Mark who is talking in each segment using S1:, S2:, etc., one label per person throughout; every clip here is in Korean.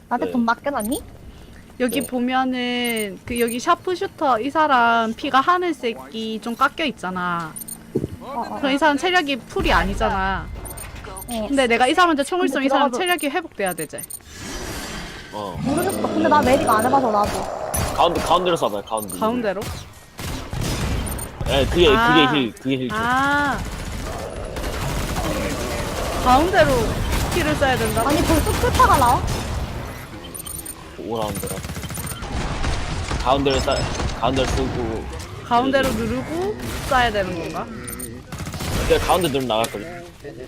S1: 나한테
S2: 네.
S1: 돈 맡겨놨니?
S3: 여기
S2: 네.
S3: 보면은 그 여기 샤프슈터 이 사람 피가 하늘색이 좀 깎여 있잖아. 그럼 이 사람 체력이 풀이 아니잖아. 근데 내가 이 사람한테 총을 쏘면 이 사람 체력이 회복돼야 되지.
S1: 모르겠어. 근데 나 메디가 안 해봐서 나도.
S2: 가운데로 쏴봐요. 가운데.
S3: 가운데로?
S2: 네, 그게 힐 줘.
S3: 아. 가운데로 키를 써야 된다.
S1: 아니 벌써 풀파가 나와?
S2: 5라운드라. 가운데를 쓰고.
S3: 가운데로 누르고 쏴야 되는 건가?
S2: 근데 가운데 누르면 나갈걸요.
S3: 그래?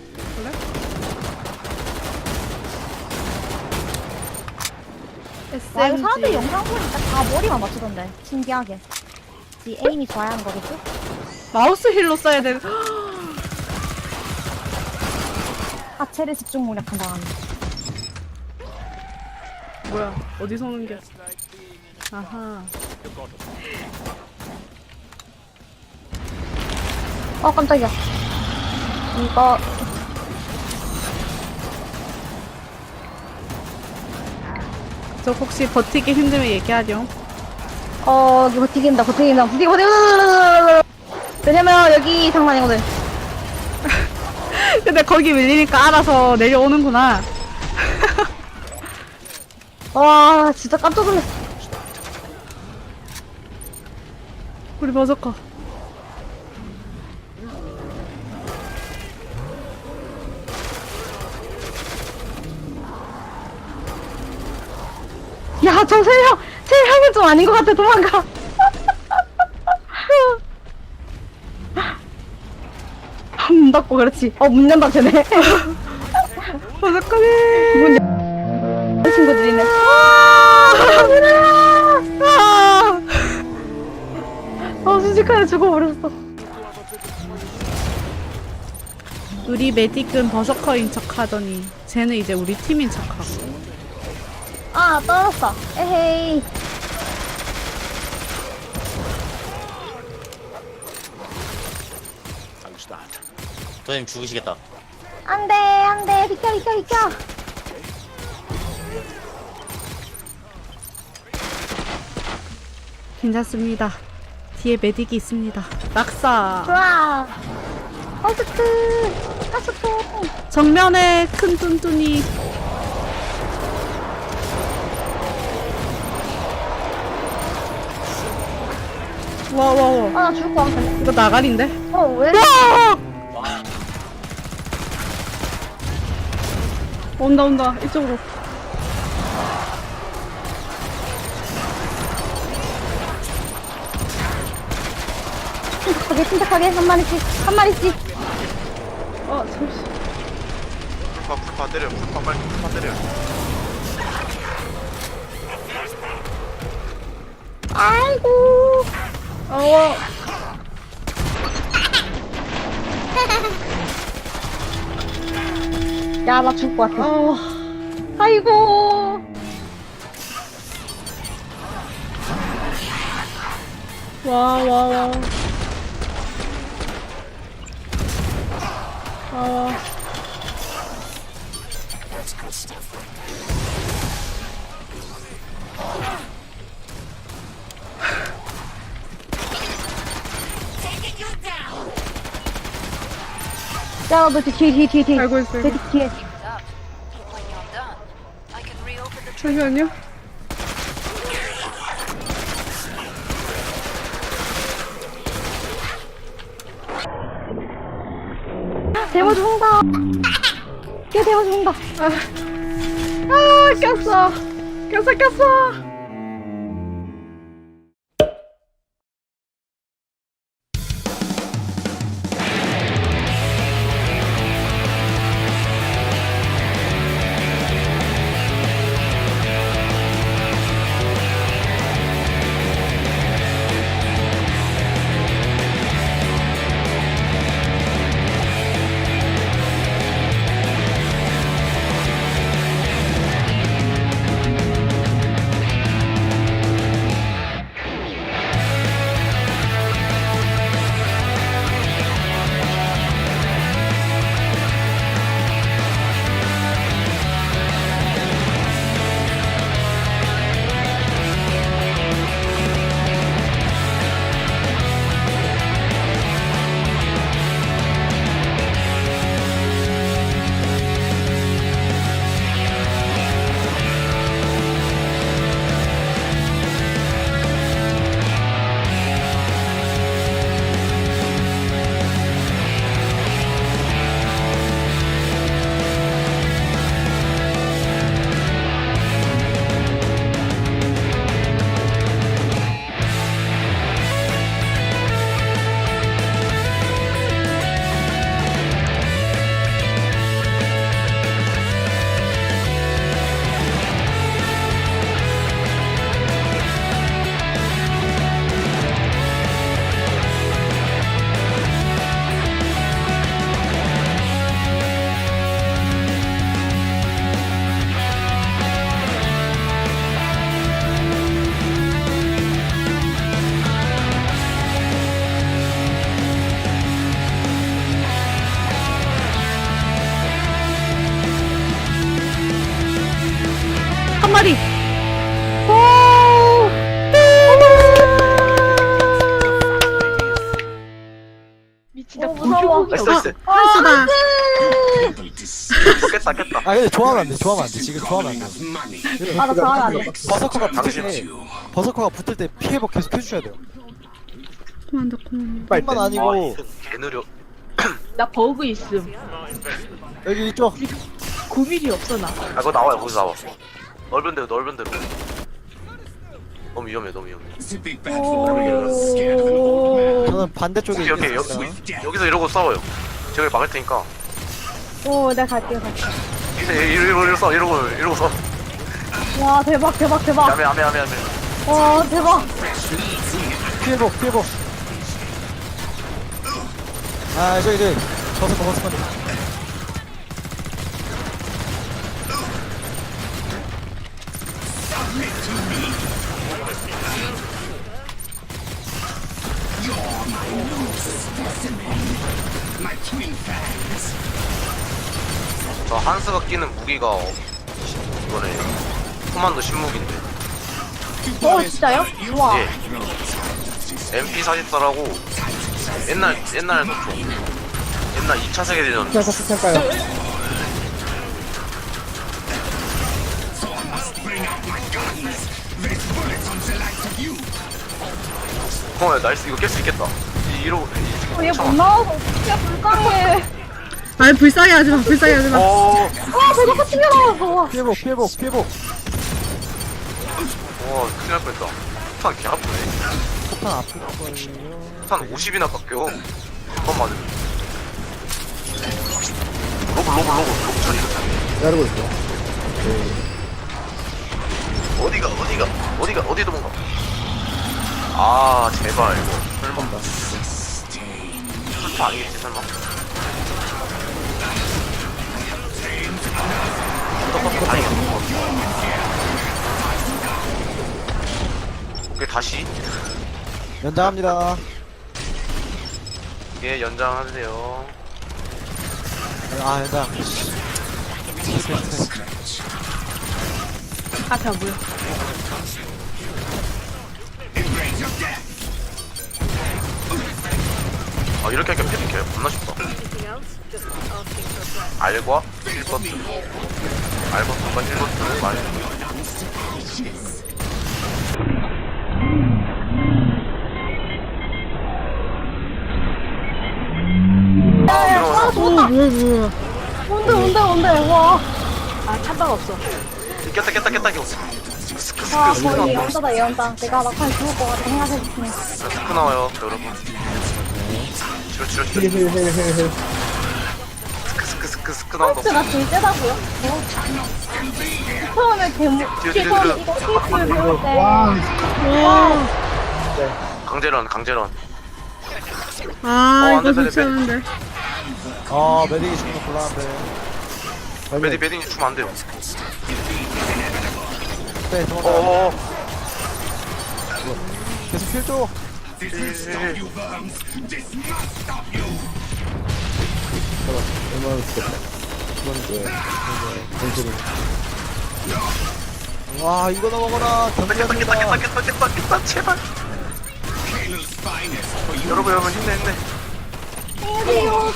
S1: 와 이거
S3: SMG.
S1: 사람들 영상 보니까 다 머리만 맞추던데. 신기하게. 이 에임이 좋아야 하는 거겠지?
S3: 마우스 힐로 쏴야 되는.
S1: 하체를 집중 공략한 다음에.
S3: 뭐야? 어디서 오는 게? 아하.
S1: 깜짝이야. 이거
S3: 저 혹시 버티기 힘들면 얘기하렴.
S1: 이거 버티긴다. 왜냐면 여기 장난이거든.
S3: 근데 거기 밀리니까 알아서 내려오는구나.
S1: 와 진짜 깜짝 놀랐어.
S3: 우리 버섯커.
S1: 야, 저 세형은 좀 아닌 것 같아. 도망가. 문 닫고 그렇지. 문 연다 쟤네.
S3: 버섯커네.
S1: 문 친구들이네. 순식간에 죽어버렸어.
S3: 우리 메딕은 버서커인 척 하더니 쟤는 이제 우리 팀인 척하고.
S1: 떨어졌어. 에헤이.
S4: 도현님 죽으시겠다.
S1: 안돼. 비켜.
S3: 괜찮습니다. 뒤에 메딕이 있습니다. 낙사.
S1: 좋아. 허스트. 하스통.
S3: 정면에 큰 뚠뚠이. 와.
S1: 나 죽을 것 같은데.
S3: 이거 나가린데?
S1: 왜?
S3: 온다. 이쪽으로.
S1: 침착하게. 한 마리씩.
S3: 잠시.
S5: 풀파 때려. 풀파 때려.
S1: 아이고. 야, 나 죽을 것 같아. 아이고.
S3: 와.
S1: 야, 너 뒤에.
S3: 알고 있어요.
S1: 뒤에.
S3: 잠시만요.
S1: 대모 죽는다. 얘 대모 죽는다.
S3: 꼈어. 대가리.
S6: 미치다
S1: 무서워.
S5: 나이스 나이스.
S3: 한수다.
S5: 깼다 깼다.
S7: 아 근데 좋아하면 안 돼. 좋아하면 안 돼. 지금 좋아하면 안 돼.
S1: 맞아, 좋아하면 안 돼.
S7: 버서커가 붙을
S5: 당신.
S7: 때 버서커가 붙을 때 피해복 계속 해주셔야 돼요.
S3: 그만다 그만.
S7: 뿐만 아니고
S5: 개 느려.
S6: 나 버그 있음.
S7: 여기 이쪽
S6: 9mm 없어 나.
S5: 아 그거 나와요 거기서 나와. 넓은 데로 넓은 데로. 너무 위험해 너무 위험해.
S7: 저는 반대쪽에
S5: 오케이
S7: 있겠습니다.
S5: 여기서 이러고 싸워요. 제가 막을 테니까.
S1: 오, 내가 갈게요.
S5: 이제 이러고 싸워 이러고 싸워.
S1: 와, 대박, 대박, 대박.
S5: 야매.
S1: 와, 대박.
S7: 피해복 피해복. 아 저기 버서커.
S5: 저 한스가 끼는 무기가 이거네. 코만도 신무기인데.
S1: 진짜요? 우와.
S5: 예. MP44라고 옛날 옛날 2차 세계대전.
S7: 그냥 같이 탈까요?
S5: 나이스 이거 깰 수 있겠다. 이러고
S1: 얘 못 나와서 진짜 불쌍해.
S3: 아니 불쌍해 하지 마. 불쌍해 하지 마.
S5: 와
S1: 와, 대박 튕겨 나왔어.
S7: 피해복.
S5: 큰일 날 뻔했다. 폭탄 개 아프네.
S7: 폭탄 아플 거예요.
S5: 폭탄 50이나 깎여. 한 번 맞으면. 로브 처리.
S7: 기다리고 있어.
S5: 어디 도망가. 아 제발 이거 설마. 풀파 아니겠지 설마. 다행이다. 오케이 다시.
S7: 연장합니다.
S5: 예 연장하세요.
S7: 아 연장.
S6: 앞에 안 보여.
S5: 아 이렇게 하니까 패딩 개 겁나 쉽다. 알과 1버튼 알버튼과 1버튼을 많이
S3: 뭐야.
S1: 뭔데, 와.
S6: 아 찬바가 없어.
S5: 깼다 이거
S1: 아, 거의 예언자다, 예언자. 내가 막판 죽을 것 같아, 생각해보면.
S5: 스크 나와요 여러분. 치료 스크 나온다.
S1: 나 제일 세다고요? 처음에 데모,
S5: 뒤에,
S1: 처음에
S5: 뒤에.
S1: 이거 테이프를 배울 때.
S5: 강제런.
S3: 아
S5: 안
S3: 이거
S5: 돼,
S3: 좋지 않은데.
S7: 아 메딕이 죽는 거 곤란한데.
S5: 메딩이 주면 안 돼요.
S7: 네 도망가.
S5: 어어어.
S7: 계속 킬 줘. 와 이거 넘어가라.
S5: 깼다 제발. 여러분 힘내.
S1: 안녕하세요.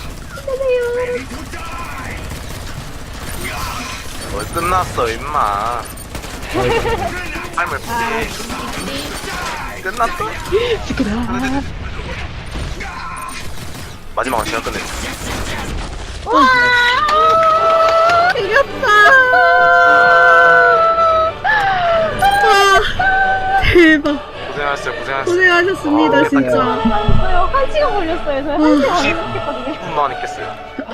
S5: 끝났어 임마. 타임을 끝났어. 마지막은 제가 끝내.
S3: 이겼다. 대박.
S5: 고생하셨어요.
S3: 고생하셨습니다 진짜.
S1: 한 시간 걸렸어요. 저희 한 시간 걸렸거든요.
S5: 10분 만에 깼어요.